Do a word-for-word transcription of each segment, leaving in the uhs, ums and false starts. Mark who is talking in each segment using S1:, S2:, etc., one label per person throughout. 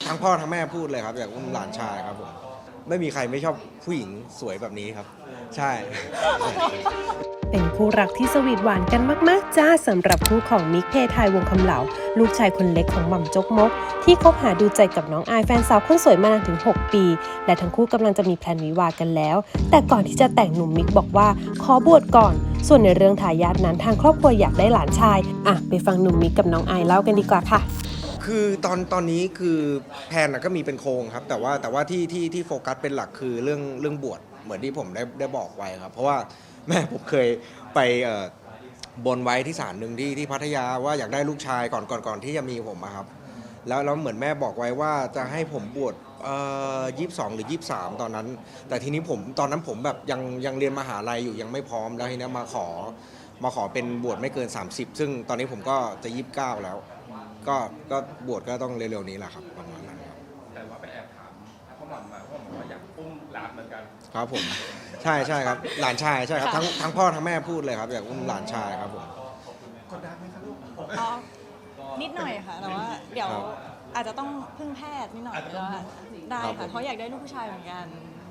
S1: ทั้งพ่อทั้งแม่พูดเลยครับอยากอุ้มหลานชายครับผมไม่มีใครไม่ชอบผู้หญิงสวยแบบนี้ครับใช่
S2: เป็นคู่รักที่สวีทหวานกันมากๆจ้าสำหรับคู่ของมิกเพทายวงคำเหลาลูกชายคนเล็กของหม่ำจกมกที่คบหาดูใจกับน้องอายแฟนสาวคนสวยมานานถึงหกปีและทั้งคู่กำลังจะมีแพลนวิวากันแล้วแต่ก่อนที่จะแต่งหนุ่มมิกบอกว่าขอบวชก่อนส่วนในเรื่องทายาทนั้นทางครอบครัวอยากได้หลานชายอ่ะไปฟังหนุ่มมิกกับน้องอายเล่ากันดีกว่าค่ะ
S1: คือตอนตอนนี้คือแพลนก็มีเป็นโครงครับแต่ว่าแต่ว่าที่ที่ที่โฟกัสเป็นหลักคือเรื่องเรื่องบวชเหมือนที่ผมได้ได้บอกไว้ครับเพราะว่าแม่ผมเคยไปบนไว้ที่ศาลหนึ่งที่ที่พัทยาว่าอยากได้ลูกชายก่อนก่อนก่อนที่จะมีผมครับแล้วแล้วเหมือนแม่บอกไว้ว่าจะให้ผมบวชยี่สิบสองหรือยี่สิบสามตอนนั้นแต่ทีนี้ผมตอนนั้นผมแบบยังยังเรียนมหาลัยอยู่ยังไม่พร้อมแล้วทีนี้มาขอมาขอเป็นบวชไม่เกินสามสิบซึ่งตอนนี้ผมก็จะยี่สิบเก้าแล้วก็ก็บวชก็ต้องเร็วๆนี้แหละครับประมาณนั้นครับ
S3: แต่ว่าไปแอบถามพ่อหม่ำมาพ่อหม่ำว่าอยากอุ้มหลานเหมือนกัน
S1: ครับผมใช่ใช่ครับหลานชายใช่ครับทั้งทั้งพ่อทั้งแม่พูดเลยครับอยากอุ้มหลานชายครับผม
S3: กดดันไหมครับลูก
S4: อ๋อนิดหน่อยค่ะแต่ว่าเดี๋ยวอาจจะต้องพึ่งแพทย์นิดหน่อยแล้วได้ค่ะเพราะอยากได้ลูกผู้ชายเหมือนกัน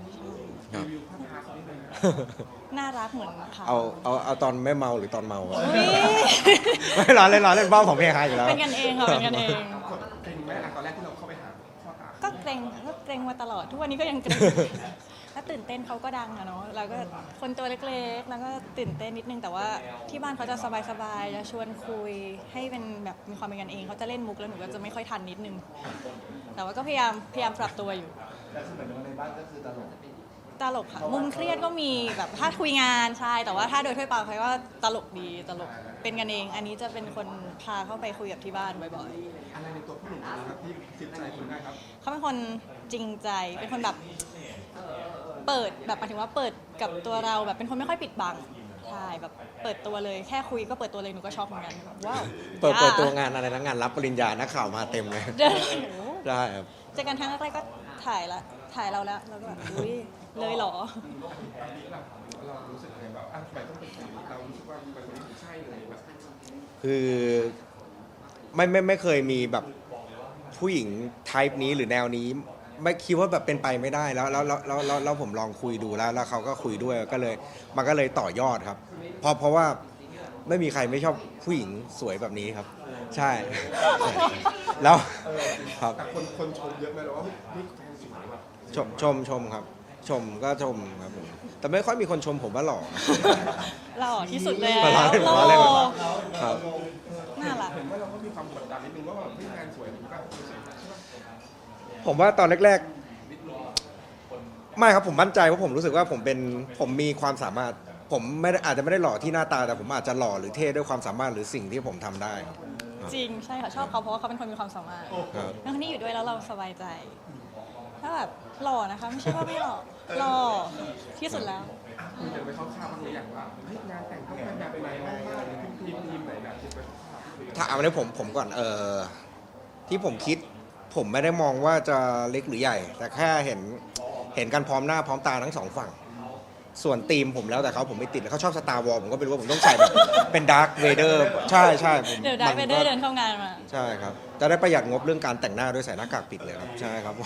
S4: น่ารักเหมือนเขา
S1: เอาเอาเอาตอนไม่เมาหรือตอนเมาไม่ร้อนเล่นร้อนเล่นบ้าของเพลงไฮอยู่แล้ว
S4: เป็นกันเองค่ะเป็นกันเอง
S3: เกรงไหมตอนแรกที่เราเข้าไปหาพ่อตา
S4: ก็เกรงก็เกรงมาตลอดทุกวันนี้ก็ยังเกรงถ้าตื่นเต้นเขาก็ดังอะเนาะแล้วก็คนตัวเล็กๆแล้วก็ตื่นเต้นนิดนึงแต่ว่าที่บ้านเขาจะสบายๆจะชวนคุยให้เป็นแบบมีความเป็นกันเองเขาจะเล่นมุกแล้วหนูก็จะไม่ค่อยทันนิดนึงแต่ว่าก็พยายามพยายามปรับตัวอยู่
S3: แต่สมัยในบ้านก็คือตลก
S4: ตลกค่ะมุมเครียดก็มีแบบถ้าคุยงานใช่แต่ว่าถ้าโดยทั่วไปเขาก็ตลกดีตลกเป็นกันเองอันนี้จะเป็นคนพาเข้าไปคุยกับที่บ้านบ่อย
S3: ๆอะไรในตัวผู้หนุ่มนะครับที่จิตใจคุณได้ครับ
S4: เขาเป็นคนจริงใจเป็นคนแบบเปิดแบบหมายถึงว่าเปิดกับตัวเราแบบเป็นคนไม่ค่อยปิดบังใช่แบบเปิดตัวเลยแค่คุยก็เปิดตัวเลยหนูก็ช็อกเหมือนกันว้าว
S1: เปิดเปิดตัวงานอะไรนะงานรับปริญญานักข่าวมาเต็มเลยได้ครับ
S4: เจอกันครั้งแรกก็ถ่ายละถ่ายเราแล้วเราก็แบบอุ้ยเลยเหรอ
S3: เรารู้สึกอะไรแบบอ่ะทำไมต้องเป็นคนนี้เรารู้สึกว่าเป็นคนที่ใช่เลยแบบ
S1: คือไม่ไม่ไม่เคยมีแบบผู้หญิงไทป์นี้หรือแนวนี้ไม่คิดว่าแบบเป็นไปไม่ได้แล้วแล้วแล้วแล้วแล้วผมลองคุยดูแล้วแล้วเขาก็คุยด้วยก็เลยมันก็เลยต่อยอดครับเพราะเพราะว่าไม่มีใครไม่ชอบผู้หญิงสวยแบบนี้ครับใช่แล้วครับ
S3: แต่คนคนชมเยอะไหมหรือว่านี่แฟนสวยแบบ
S1: ชมชมชมครับชมก็ชมครับผมแต่ไม่ค่อยมีคนชมผมว่าหล่อ
S4: หล่อที่สุดเลย
S1: หล่อเลยครับ
S4: น่ารัก
S3: เห็นว่าเราก็มีความกดดันนิดนึงว่าแบบพี่แฟนสวยผมก็
S1: ผมว่าตอนแรกๆไม่ครับผมมั่นใจว่าผมรู้สึกว่าผมเป็นผมมีความสามารถผมไม่อาจจะไม่ได้หล่อที่หน้าตาแต่ผมอาจจะหล่อหรือเท่ด้วยความสามารถหรือสิ่งที่ผมทำได้
S4: จริงใช่ค่ะชอบเขาเพราะว่าเขาเป็นคนมีความสามารถแล้วคนนี้อยู่ด้วยแล้วเราสบายใจถ้าแบบหล่อนะคะไม่ใช่ว่าไม่หล่อหล่อที่สุดแล้ว
S3: คุณจะไปเข้าข้าวบ้างหรือยังว่างานแต่งต้องเป็นแบบไหนบ้างหรือทีมทีมไหนแบบที่ไป
S1: ถ้าเอาในผมผมก่อนเออที่ผมคิดผมไม่ได้มองว่าจะเล็กหรือใหญ่แต่แค่เห็นเห็นกันพร้อมหน้าพร้อมตาทั้งสองฝั่งส่วนธีมผมแล้วแต่เขาผมไม่ติดเขาชอบสตาร์วอลผมก็เป็นว่าผมต้องใส่แบบเป็นดาร์คเวเดอร์ใช่ใช่ผม
S4: เดี๋ยวดาร์คเวเดอร์เดินเข้างานมา
S1: ใช่ครับจะได้ประหยัดงบเรื่องการแต่งหน้าด้วยใส่หน้ากากปิดเลยครับใช่ครับ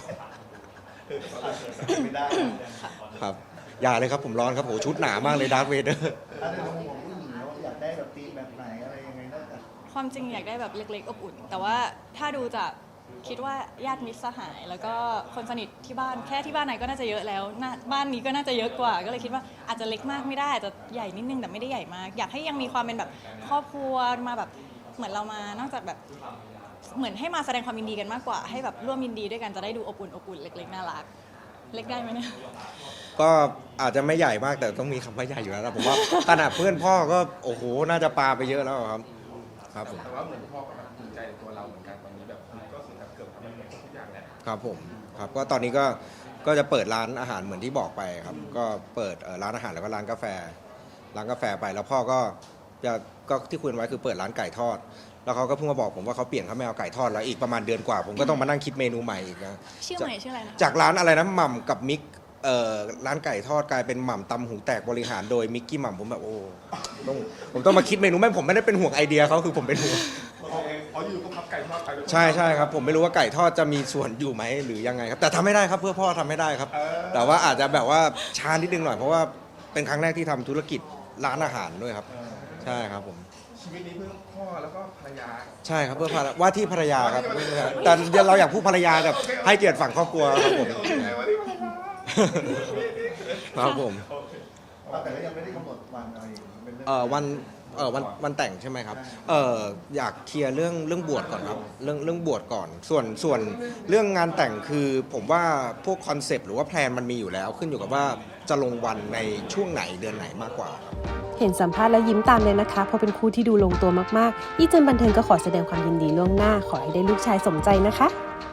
S3: ไม่ได้
S1: ครับอย่าเลยครับผมร้อนครับโหชุดหนามากเลยดาร์คเวเดอร์
S3: อยากได้แบบธีมแบบไหนอะไรยังไงนอกจาก
S4: ความจริงอยากได้แบบเล็กๆอบอุ่นแต่ว่าถ้าดูจากคิดว่าญาติมิตรสหายแล้วก็คนสนิทที่บ้านแค่ที่บ้านไหนก็น่าจะเยอะแล้วบ้านนี้ก็น่าจะเยอะกว่าก็เลยคิดว่าอาจจะเล็กมากไม่ได้อาจจะใหญ่นิดนึงแต่ไม่ได้ใหญ่มากอยากให้ยังมีความเป็นแบบครอบครัวมาแบบเหมือนเรามานอกจากแบบเหมือนให้มาแสดงความยินดีกันมากกว่าให้แบบร่วมยินดีด้วยกันจะได้ดูอบอุ่นอบอุ่นเล็กๆน่ารักเล็กได้ไหมเนี่ย
S1: ก็อาจจะไม่ใหญ่มากแต่ต้องมีคำว่าใหญ่อยู่แล้วนะผมว่าขนาดเพื่อนพ่อก็โอ้โหน่าจะปาไปเยอะแล้วครับครับผม
S3: แต่ว่าเหมือนพ่อก็ภูมิใจในตัวเราเหมือนกันตอนนี้แบบก็คือเกือบทำมันทุกอย่างแล้ว
S1: ครับผมครับก็ตอนนี้ก็ก็จะเปิดร้านอาหารเหมือนที่บอกไปครับก็เปิดร้านอาหารแล้วก็ร้านกาแฟร้านกาแฟไปแล้วพ่อก็จะก็ที่คุยไว้คือเปิดร้านไก่ทอดแล้วเขาก็เพิ่งมาบอกผมว่าเขาเปลี่ยนเขาไม่เอาไก่ทอดแล้วอีกประมาณเดือนกว่าผมก็ต้องมานั่งคิดเมนูใหม่อีกนะ
S4: ชื่อใหม่ชื่ออะไรนะ
S1: จากร้านอะไรนะหม่ำกับมิกเอ่อร้านไก่ทอดกลายเป็นหม่ำตำหูแตกบริหารโดยมิกกี้หม่ำผมแบบโอ้ต้องผมต้องมาคิดเมนูแม่ผมไม่ได้เป็นห่วงไอเดียเขาคือผมเป็นห่วง
S3: เขาอยู่ก็พับไก่ทอดไป
S1: ใช่ใช่ครับผมไม่รู้ว่าไก่ทอดจะมีส่วนอยู่ไหมหรือยังไงครับแต่ทำไม่ได้ครับเพื่อพ่อทำไม่ได้ครับ แต่ว่าอาจจะแบบว่าช้านิดนึงหน่อยเพราะว่าเป็นครั้งแรกที่ทำธุรกิจร้านอาหารด้วยครับ ใช่ครับผม
S3: ชีวิตนี้เพื่อพ่อแล้วก็ภรรยา
S1: ใช่ครับเพื่อภรรว่าที่ภรรยาครับแต่เราอยากพูดภรรยาแบบให้เกียรติฝั่งครอบครัวครับผม
S3: โอเควันนี้ภรรยา
S1: ครับผม
S5: แต่ก็ยังไม่ได้กำหนดวันอะไรเป็นเรื่อง
S1: เอ่อวันเอ่อวันวันแต่งใช่ไหมครับเอ่ออยากเคลียร์เรื่องเรื่องบวชก่อนครับเรื่องเรื่องบวชก่อน ส่วนส่วนเรื่องงานแต่งคือผมว่าพวกคอนเซปต์หรือว่าแพลนมันมีอยู่แล้ว ขึ้นอยู่กับว่าจะลงวันในช่วงไหนเดือนไหนมากกว่าครับ
S2: เห็นสัมภาษณ์แล้วยิ้มตามเลยนะคะเพราะเป็นคู่ที่ดูลงตัวมากๆอีเจนบันเทิงก็ขอแสดงความยินดีล่วงหน้าขอให้ได้ลูกชายสมใจนะคะ